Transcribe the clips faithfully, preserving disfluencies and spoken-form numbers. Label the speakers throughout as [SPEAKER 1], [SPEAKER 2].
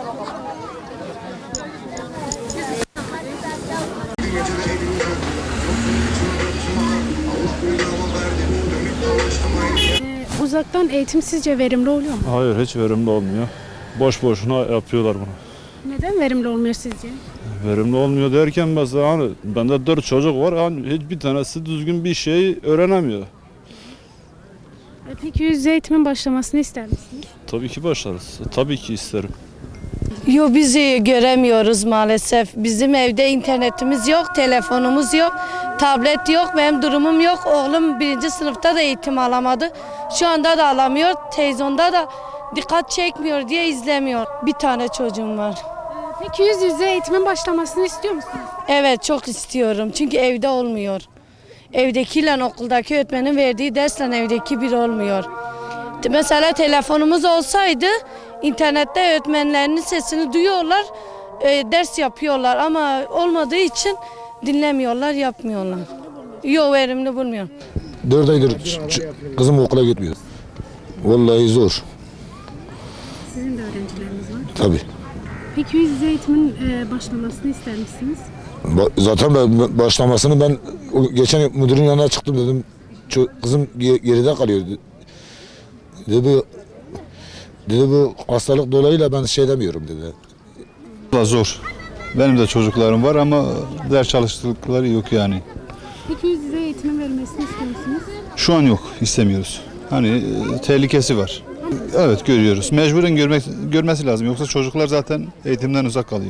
[SPEAKER 1] Ee, uzaktan eğitim sizce verimli oluyor mu?
[SPEAKER 2] Hayır, hiç verimli olmuyor. Boş boşuna yapıyorlar bunu.
[SPEAKER 1] Neden verimli olmuyor sizce?
[SPEAKER 2] Verimli olmuyor derken mesela hani bende dört çocuk var, hani hiçbir tanesi düzgün bir şey öğrenemiyor.
[SPEAKER 1] Ee, peki yüz yüze eğitimin başlamasını ister misiniz?
[SPEAKER 2] Tabii ki başlarız. Tabii ki isterim.
[SPEAKER 3] Yo, bizi göremiyoruz maalesef. Bizim evde internetimiz yok, telefonumuz yok, tablet yok, benim durumum yok. Oğlum birinci sınıfta da eğitim alamadı. Şu anda da alamıyor. Televizyonda da dikkat çekmiyor diye izlemiyor. Bir tane çocuğum var.
[SPEAKER 1] Ee, peki yüz yüze eğitimin başlamasını istiyor musunuz?
[SPEAKER 3] Evet, çok istiyorum çünkü evde olmuyor. Evdekiyle okuldaki öğretmenin verdiği dersle evdeki bir olmuyor. Mesela telefonumuz olsaydı internette öğretmenlerinin sesini duyuyorlar, e, ders yapıyorlar ama olmadığı için dinlemiyorlar, yapmıyorlar. Yok, verimli bulmuyorum.
[SPEAKER 4] Dört aydır ç- ç- kızım okula gitmiyor. Vallahi zor.
[SPEAKER 1] Sizin de öğrencileriniz var.
[SPEAKER 4] Tabii.
[SPEAKER 1] Peki yüz yüze eğitimin e, başlamasını ister misiniz?
[SPEAKER 4] Ba- zaten ben başlamasını ben o geçen müdürün yanına çıktım dedim. Ço- kızım ge- geride kalıyor. Dedi bu, dedi bu hastalık dolayıyla ben şey demiyorum dedi.
[SPEAKER 5] Valla zor. Benim de çocuklarım var ama ders çalıştıkları yok yani.
[SPEAKER 1] Peki yüz yüze eğitimin verilmesini istiyor musunuz?
[SPEAKER 5] Şu an yok, istemiyoruz. Hani e, tehlikesi var. Evet, görüyoruz. Mecburen görmek görmesi lazım. Yoksa çocuklar zaten eğitimden uzak kalıyor.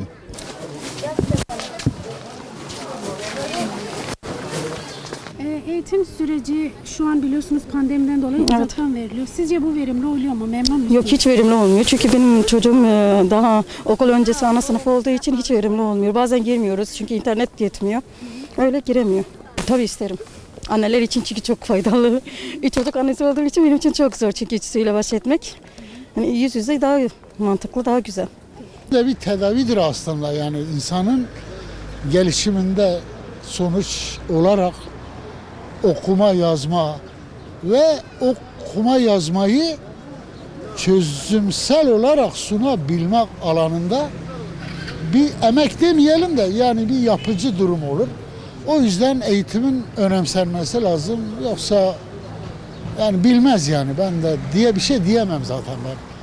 [SPEAKER 1] Ee, eğitim süreci şu an biliyorsunuz pandemiden dolayı uzaktan veriliyor. Sizce bu verimli oluyor mu? Memnun musunuz?
[SPEAKER 6] Yok, hiç verimli olmuyor. Çünkü benim çocuğum e, daha okul öncesi ana sınıf olduğu için hiç verimli olmuyor. Bazen girmiyoruz çünkü internet yetmiyor. Öyle giremiyor. Tabii isterim. Anneler için çünkü çok faydalı. Üç çocuk annesi olduğum için benim için çok zor çünkü ikisiyle baş etmek. Yani yüz yüze daha mantıklı, daha güzel.
[SPEAKER 7] de bir tedavidir aslında, yani insanın gelişiminde sonuç olarak okuma yazma ve okuma yazmayı çözümsel olarak sunabilmek alanında bir emek demeyelim de yani bir yapıcı durum olur. O yüzden eğitimin önemsenmesi lazım. Yoksa yani bilmez yani, ben de diye bir şey diyemem zaten ben.